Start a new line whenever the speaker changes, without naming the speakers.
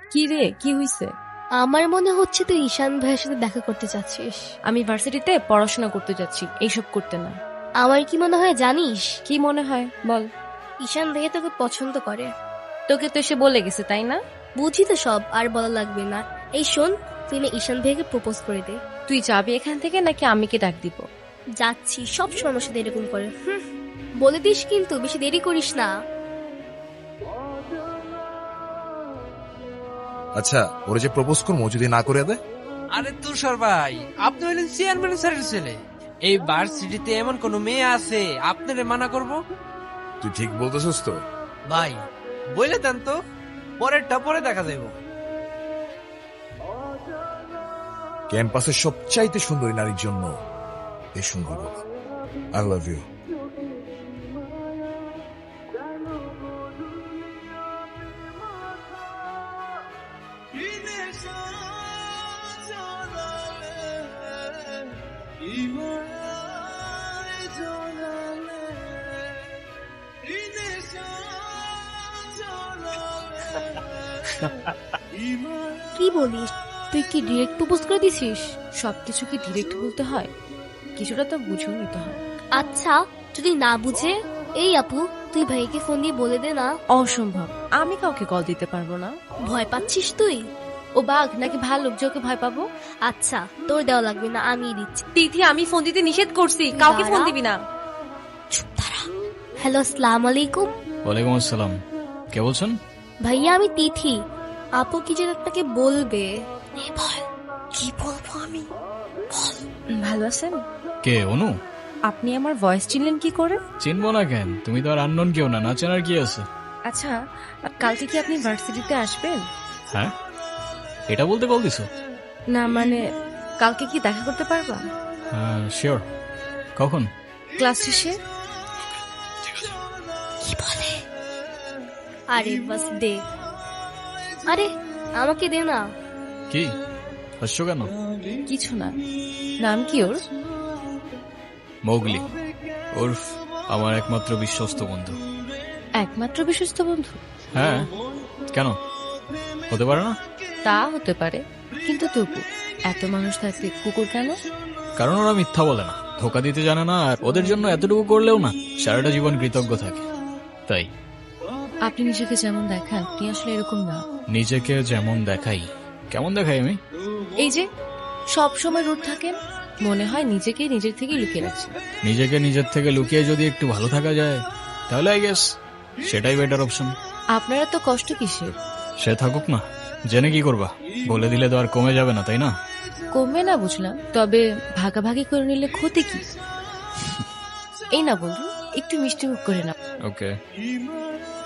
কি রে, কি হইছে?
আমার মনে হচ্ছে তুই ঈশান ভাইয়ের সাথে দেখা করতে চাচ্ছিস।
আমি ভার্সিটিতে পড়াশোনা করতে যাচ্ছি, এইসব করতে না।
আমার কি মনে হয় জানিস,
কি মনে হয় বল।
ঈশান ভাইয়া তোকে পছন্দ করে।
তোকে তো এসে বলে গেছে তাই না?
বুঝি তো সব, আর বলা লাগবে না। এই শোন, তুই না ঈশান ভাইয়াকে প্রপোজ করে দে।
তুই যাবি এখান থেকে নাকি আমি কে ডাক দিব?
যাচ্ছি, সব সময় আমার সাথে এরকম করে। বলে দিস কিন্তু, বেশি দেরি করিস না।
আচ্ছা, ওরা যে প্রপোজ করবো যদি না করে দেয়?
আরে তুষার ভাই, আপনি হলেন চেয়ারম্যান স্যারের ছেলে। এই ভার্সিটিতে এমন কোন মেয়ে আছে আপনারে মানা করব?
তুই ঠিক বলতেছিস তো?
ভাই বলে দেন তো, পরেরটা পরে দেখা যাইব।
ক্যাম্পাসের সবচাইতে সুন্দরী নারীর জন্য এই সুন্দর বলা, আই লাভ ইউ।
কি বলিস, তুই কি ডিরেক্ট প্রপোজ করে দিছিস?
সবকিছু কি ডিরেক্ট বলতে হয়? কিছুটা তো বুঝেও নিতে হয়।
আচ্ছা, যদি না বুঝে, এই আপু তুই ভাইকে ফোন দিয়ে বলে দে না।
অসম্ভব, আমি কাউকে কল দিতে পারবো না।
ভয় পাচ্ছিস তুই?
ও বাঘ নাকি ভাল্লুক যে ওকে ভয় পাবো?
আচ্ছা, তোর দেওয়া লাগবে না, আমি দিচ্ছি।
তিথি, আমি ফোন দিতে নিষেধ করছি, কাউকে ফোন দিবি না।
চুপ দাঁড়া। হ্যালো, আসসালামু আলাইকুম।
ওয়ালাইকুম আসসালাম। কে বলছেন?
ভাইয়া, আমি তিথি। আপু কি যেন আপনাকে বলবে। বল, কি বলবো আমি?
ভালো আছেন?
কে, অনু?
আপনি আমার ভয়েস চিনলেন কি করে?
চিনবো না কেন? তুমি তো আর আননোন কেউ না, না চেনার কি আছে?
আচ্ছা, কালকে কি আপনি ভার্সিটিতে আসবেন?
হ্যাঁ, এটা বলতে কল দিছো?
না মানে, কালকে কি দেখা করতে পারবা?
হ্যাঁ শিওর। কখন?
ক্লাস শেষে।
কি বলে? আরে বাস দে। আরে আমাকে দে না।
কি হাসছো কেন?
কিছু না। নাম কি ওর?
মৌগলি, ওরফ আমার একমাত্র বিশ্বস্ত বন্ধু।
একমাত্র বিশ্বস্ত বন্ধু?
হ্যাঁ, কেন হতে পারে না?
তা হতে পারে, কিন্তু তবু এত মানুষ থাকতে কুকুর কেন?
কারণ ওরা মিথ্যা বলে না, ধোকা দিতে জানে না, আর ওদের জন্য এতটুকু করলেও না সারাটা জীবন কৃতজ্ঞ থাকে। তাই
আপনি নিজেকে যেমন দেখান, আপনি আসলে এরকম না।
নিজেকে যেমন দেখাই? কেমন দেখাই আমি?
এই যে সব সময় রুট থাকেন, মনে হয় নিজেকে নিজের থেকে লুকিয়ে রাখছেন।
নিজেকে নিজের থেকে লুকিয়ে যদি একটু ভালো থাকা যায় তাহলে আই গেস সেটাই বেটার অপশন।
আপনারা তো কষ্ট কিসের?
সে থাকুক না, জেনে কি করবা? বলে দিলে তো আর কমে যাবে না, তাই না?
কমবে না বুঝলাম, তবে ভাগাভাগি করে নিলে ক্ষতি কি? এই না বন্ধু, একটু মিষ্টি মুখ করে না।
ওকে।